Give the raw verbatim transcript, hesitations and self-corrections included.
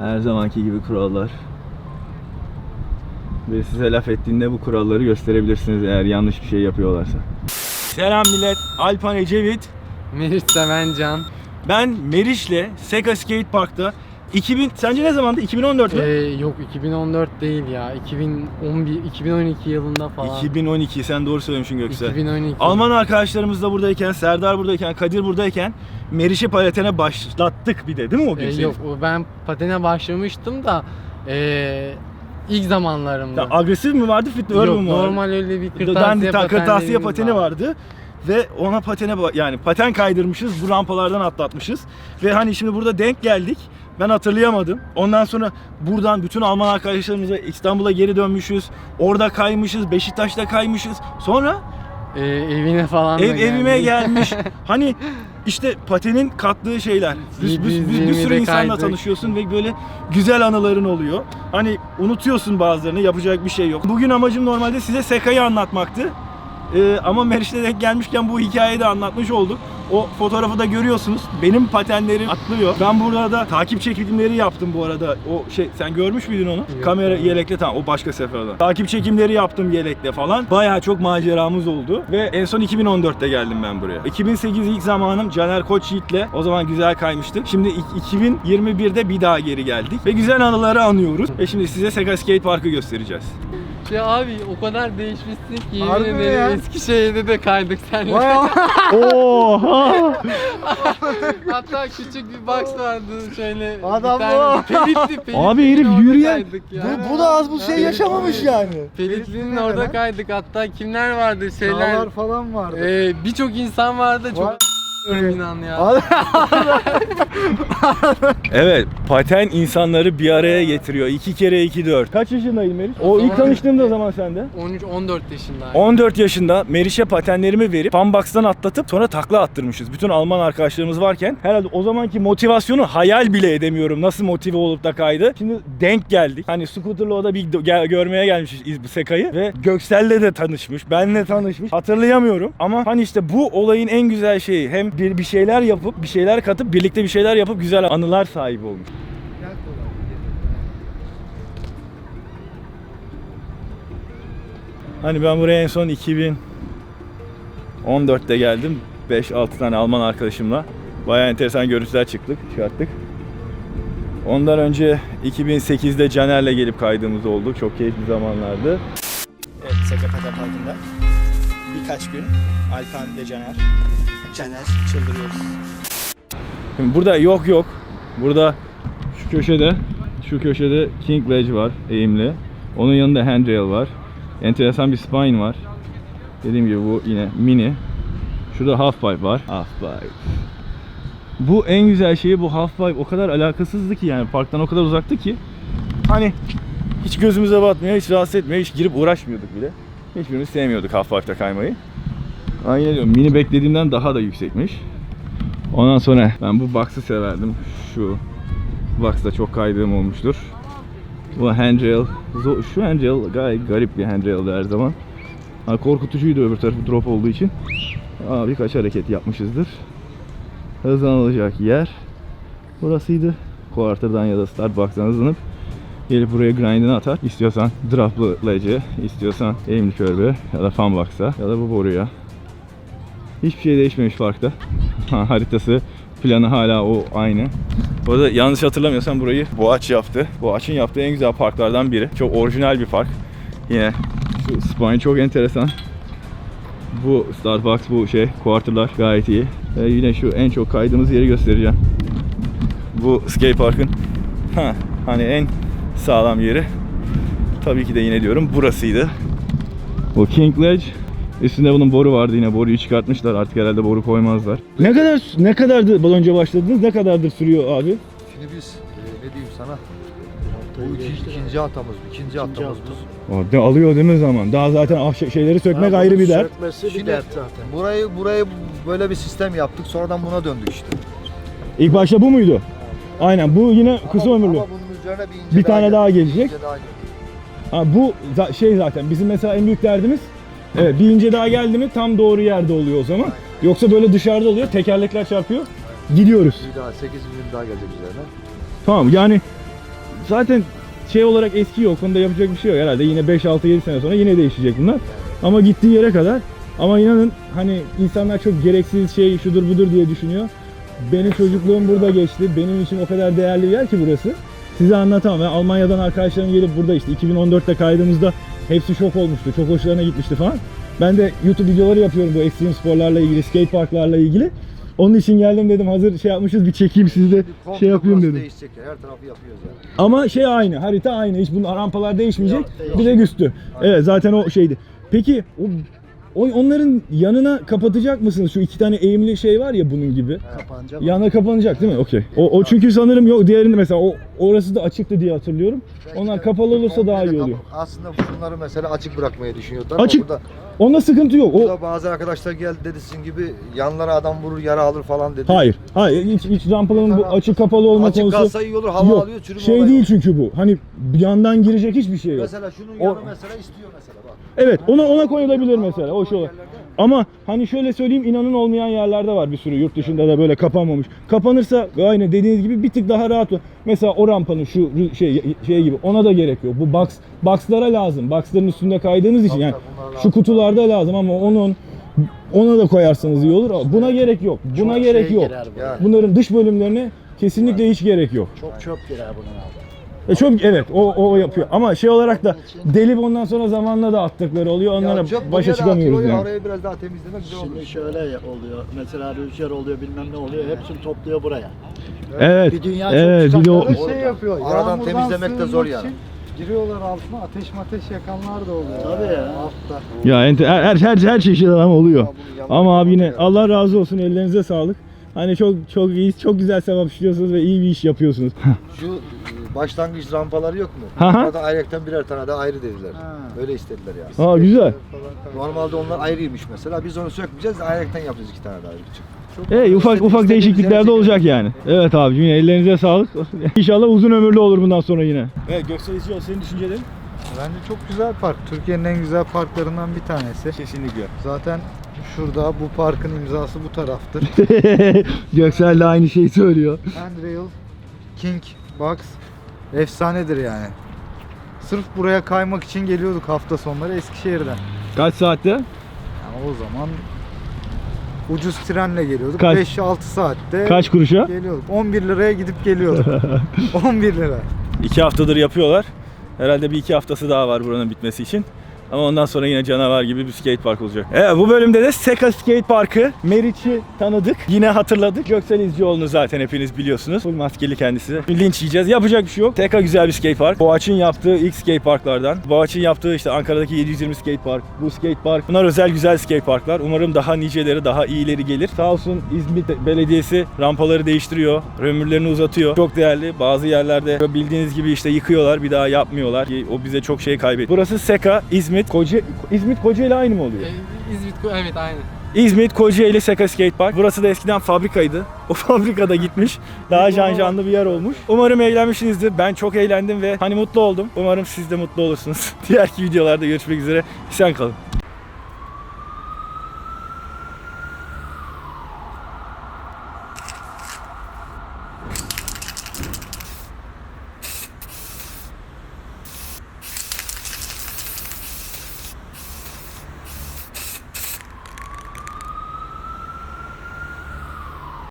Her zamanki gibi kurallar. Ve size laf ettiğinde bu kuralları gösterebilirsiniz eğer yanlış bir şey yapıyorlarsa. Selam millet, Alpan Ecevit. Meriç Sevencan. Ben Meriç'le Sega Skate Park'ta iki bin, sence ne zamandı? iki bin on dört mü? Ee, yok iki bin on dört değil ya. iki bin on bir iki bin on iki yılında falan. iki bin on iki, sen doğru söylemişsin Göksel. iki bin on iki. Alman arkadaşlarımız da buradayken, Serdar buradayken, Kadir buradayken Meriç'i paletene başlattık bir de, değil mi o gün? Ee, senin? yok ben patene başlamıştım da ee, ilk zamanlarımda. Ya, agresif mi vardı, fit mi vardı? Yok normal öyle bir kırtasiye, Dandy, ta- kırtasiye pateni vardı. vardı. Ve ona patene yani paten kaydırmışız, bu rampalardan atlatmışız. Ve hani şimdi burada denk geldik. Ben hatırlayamadım. Ondan sonra buradan bütün Alman arkadaşlarımıza İstanbul'a geri dönmüşüz. Orada kaymışız, Beşiktaş'ta kaymışız. Sonra Ee, evine falan da ev evime geldik. gelmiş. Hani işte patenin kattığı şeyler. Bir, bir, bir, bir sürü insanla kaydık. tanışıyorsun ve böyle güzel anıların oluyor. Hani unutuyorsun bazılarını, yapacak bir şey yok. Bugün amacım normalde size Seka'yı anlatmaktı. Ee, ama Meriç'le denk gelmişken bu hikayeyi de anlatmış olduk. O fotoğrafı da görüyorsunuz. Benim patenlerim atlıyor. Ben burada da takip çekimleri yaptım bu arada. O şey, sen görmüş müydün onu? Yok. Kamera yelekle, tamam, o başka seferde. Takip çekimleri yaptım yelekle falan. Bayağı çok maceramız oldu. Ve en son iki bin on dörtte geldim ben buraya. iki bin sekiz ilk zamanım Caner Koç Yiğit'le. O zaman güzel kaymıştık. Şimdi iki bin yirmi birde bir daha geri geldik. Ve güzel anıları anıyoruz. Ve şimdi size Sega Skate Park'ı göstereceğiz. Ya abi o kadar değişmişsin ki Harbi yemin mi ederim ya? Eskişehir'de de kaydık seninle. Oha! Hatta küçük bir box vardı şöyle. Adam bir tane bu. Pelitli, Pelitli'nin Abi herif orada yürüyen- kaydık ya. Bu, bu da az bu şey yaşamamış yani. Pelitli'nin Ne orada lan? kaydık, hatta kimler vardı şeyler. Dağlar falan vardı. Ee, Birçok insan vardı, çok Var. inan ya. Evet, paten insanları bir araya getiriyor. iki kere iki dört. Kaç yaşındaydın Meriç? O ilk tanıştığımda zaman sende. on üç on dört yaşındayım. on dört yaşında Meriç'e patenlerimi verip Funbox'tan atlatıp sonra takla attırmışız. Bütün Alman arkadaşlarımız varken herhalde o zamanki motivasyonu hayal bile edemiyorum. Nasıl motive olup da kaydı. Şimdi denk geldik. Hani scooter'la o da bir gel- görmeye gelmişiz bu Seka'yı ve Göksel'le de tanışmış. Benle tanışmış. Hatırlayamıyorum ama hani işte bu olayın en güzel şeyi, hem bir, bir şeyler yapıp bir şeyler katıp birlikte bir şeyler yapıp güzel anılar sahibi olmuş. Hani ben buraya en son iki bin on dörtte geldim. beş altı tane Alman arkadaşımla. Bayağı enteresan görüntüler çıktık, çıkarttık. Ondan önce iki bin sekizde Caner'le gelip kaydığımız oldu. Çok keyifli zamanlardı. Evet, Sega Paten Parkı'nda birkaç gün Alpan ve Caner Caner çıldırıyoruz. Şimdi burada yok yok. Burada şu köşede, şu köşede King Ledge var, eğimli. Onun yanında handrail var. Enteresan bir spine var. Dediğim gibi bu yine mini. Şurada half pipe var. Half pipe. Bu en güzel şeyi, bu half pipe o kadar alakasızdı ki, yani parktan o kadar uzaktı ki hani hiç gözümüze batmıyor, hiç rahatsız etmiyor, hiç girip uğraşmıyorduk bile. Hiçbirimiz sevmiyorduk half pipe'ta kaymayı. Ama yine diyorum, mini beklediğimden daha da yüksekmiş. Ondan sonra ben bu box'ı severdim. Şu box'ta çok kaydığım olmuştur. Bu handrail, şu handrail gayet garip bir handrail'di her zaman. Ha, korkutucuydu öbür tarafı drop olduğu için. Aa, birkaç hareket yapmışızdır. Hızlanılacak yer burasıydı. Quarter'dan ya da start box'tan hızlanıp gelip buraya grind'ini atar. İstiyorsan drop'lı ledge'e, istiyorsan aimli körbe ya da fan box'a ya da bu boruya. Hiçbir şey değişmemiş parkta. Ha, haritası, planı hala o aynı. Bu arada yanlış hatırlamıyorsam burayı Boğaç yaptı. Boğaç'ın yaptığı en güzel parklardan biri. Çok orijinal bir park. Yine şu spine çok enteresan. Bu Starbucks, bu şey, quarterlar gayet iyi. Ve yine şu en çok kaydığımız yeri göstereceğim. Bu skate parkın ha, hani en sağlam yeri. Tabii ki de yine diyorum burasıydı. Bu King Ledge. Üstünde bunun boru vardı, yine boruyu çıkartmışlar, artık herhalde boru koymazlar. Ne kadar ne kadardı önce başladınız? Ne kadardır sürüyor abi? Şimdi biz e, ne diyeyim sana? Bu iki, ikinci atamız, ikinci atamız bu. O de alıyor değil mi zaman? Daha zaten ah, şeyleri sökmek Ha, ayrı bir dert. Sökmesi bir dert zaten. Burayı burayı böyle bir sistem yaptık, sonradan buna döndük işte. İlk başta bu muydu? Aynen, bu yine kısa ama, ömürlü. Ama bunun üzerine bir ince Bir tane daha gelecek. ince daha gelecek. Ha, bu za- şey zaten bizim mesela en büyük derdimiz. Evet, bir ince daha geldi mi tam doğru yerde oluyor o zaman. Yoksa böyle dışarıda oluyor, tekerlekler çarpıyor. Gidiyoruz. Bir daha sekiz milim daha gelecek üzerine. Tamam, yani zaten şey olarak eski yok. Onda yapacak bir şey yok herhalde. Yine beş altı yedi sene sonra yine değişecek bunlar. Ama gittiği yere kadar. Ama inanın hani insanlar çok gereksiz şey şudur budur diye düşünüyor. Benim çocukluğum burada geçti. Benim için o kadar değerli bir yer ki burası. Size anlatamam. Ben Almanya'dan arkadaşlarım gelip burada işte iki bin on dörtte kaydığımızda hepsi şok olmuştu. Çok hoşlarına gitmişti falan. Ben de YouTube videoları yapıyorum bu ekstrem sporlarla ilgili, skate parklarla ilgili. Onun için geldim dedim, hazır şey yapmışız bir çekeyim sizi de Komple şey yapayım burası dedim. Değişecek ya. Her tarafı yapıyoruz yani. Ama şey aynı, harita aynı. Hiç bunun rampalar değişmeyecek. Yok, değişmiyor. Bir de üstü. Evet zaten o şeydi. Peki o, o onların yanına kapatacak mısınız? Şu iki tane eğimli şey var ya bunun gibi. Kapanacak. Yana kapanacak değil mi? Okey. O, o çünkü sanırım yok. Diğerinde mesela o orası da açıktı diye hatırlıyorum. Belki Onlar de kapalı olursa komple daha de iyi kapa- oluyor. Aslında şunları mesela açık bırakmayı düşünüyorlar Açık. ama burada, Onda sıkıntı yok. O burada bazı arkadaşlar geldi dedi sizin gibi yanlara adam vurur yara alır falan dedi. hayır. Hayır. Hiç, hiç rampaların bu açık kapalı olma Açık konusu kalsa iyi olur, hava yok. alıyor, çürüme Şey olayı değil yok. çünkü bu. Hani bir yandan girecek hiçbir şey yok. Mesela şunun O- yanı mesela istiyor mesela bak. Evet, ona ona koyulabilir mesela. O şey olarak. Ama hani şöyle söyleyeyim, inanın olmayan yerlerde var bir sürü, yurt dışında da böyle kapanmamış. Kapanırsa aynı dediğiniz gibi bir tık daha rahat olur. Mesela o rampanın şu şey şey gibi ona da gerek yok. Bu box box'lara lazım. Box'ların üstünde kaydığınız için Tabii, yani tabii, bunlar şu lazım. kutularda lazım ama onun ona da koyarsanız iyi olur. Ama buna gerek yok. Buna Çok gerek şey yok. girer buraya. Yani. Bunların dış bölümlerine kesinlikle hiç gerek yok. Çok çöp girer bunun altına. E çok evet o o yapıyor. Ama şey olarak da delip ondan sonra zamanla da attıkları oluyor. Onlara Ya çöp başa buraya da çıkamıyoruz atıyor, yani. Orayı biraz daha temizlemek güzel olur. Şimdi şöyle oluyor. Mesela rüzgar oluyor, bilmem ne oluyor. Hepsini topluyor buraya. Evet. Bir dünya çok Evet, bir de o çıkartları şey yapıyor. Aradan yağmurdan temizlemek de zor sığınmak yani. için Giriyorlar altına, ateş mateş yakanlar da oluyor. Tabii ya. Altta. ya ente- her her her, her çeşit adam oluyor. Ya bunun yanına Ama abi yine ya. Allah razı olsun, ellerinize sağlık. Hani çok çok iyi, çok güzel sevap işliyorsunuz ve iyi bir iş yapıyorsunuz. Şu e, başlangıç rampaları yok mu? Hı hı. Orada ayrıca birer tane de ayrı dediler. Ha. Öyle istediler yani. Aa güzel. Normalde onlar ayrıymış mesela. Biz onu sökmeyeceğiz, ayrıca yapacağız iki tane daha ayrı küçük. Ey ufak ufak İstediğimiz değişiklikler yere de olacak yani. Evet abi yine ellerinize sağlık. İnşallah uzun ömürlü olur bundan sonra yine. Evet Göksel İzciol, senin düşüncelerin? Bence çok güzel park. Türkiye'nin en güzel parklarından bir tanesi. Kesinlikle. Zaten şurada bu parkın imzası bu taraftır. Göksel de aynı şeyi söylüyor. Handrail, King Box efsanedir yani. Sırf buraya kaymak için geliyorduk hafta sonları Eskişehir'den. Kaç saatte? Yani o zaman ucuz trenle geliyorduk. Kaç- beş altı saatte Kaç kuruşa? geliyorduk. on bir liraya gidip geliyorduk. on bir lira. İki haftadır yapıyorlar. Herhalde bir iki haftası daha var buranın bitmesi için. Ama ondan sonra yine canavar gibi bir skate park olacak. Evet, bu bölümde de Seka Skate Parkı. Meriç'i tanıdık. Yine hatırladık. Göksel İzcioğlu'nu zaten hepiniz biliyorsunuz. Full maskeli kendisi. Linç yiyeceğiz. Yapacak bir şey yok. Seka güzel bir skate park. Boğaç'ın yaptığı ilk skate parklardan. Boğaç'ın yaptığı işte Ankara'daki yedi yüz yirmi skate park. Bu skate park. Bunlar özel güzel skate parklar. Umarım daha niceleri, daha iyileri gelir. Sağ olsun İzmit Belediyesi rampaları değiştiriyor. Ömürlerini uzatıyor. Çok değerli. Bazı yerlerde bildiğiniz gibi işte yıkıyorlar. Bir daha yapmıyorlar. O bize çok şey kaybetti. Burası Seka, İzmit. Koca, İzmit Kocaeli aynı mı oluyor? Ee, İzmit, evet aynı. İzmit Kocaeli Seka Skate Park. Burası da eskiden fabrikaydı. O fabrikada gitmiş. Daha can canlı bir yer olmuş. Umarım eğlenmişsinizdir. Ben çok eğlendim ve hani mutlu oldum. Umarım siz de mutlu olursunuz. Diğer videolarda görüşmek üzere. Sen kalın.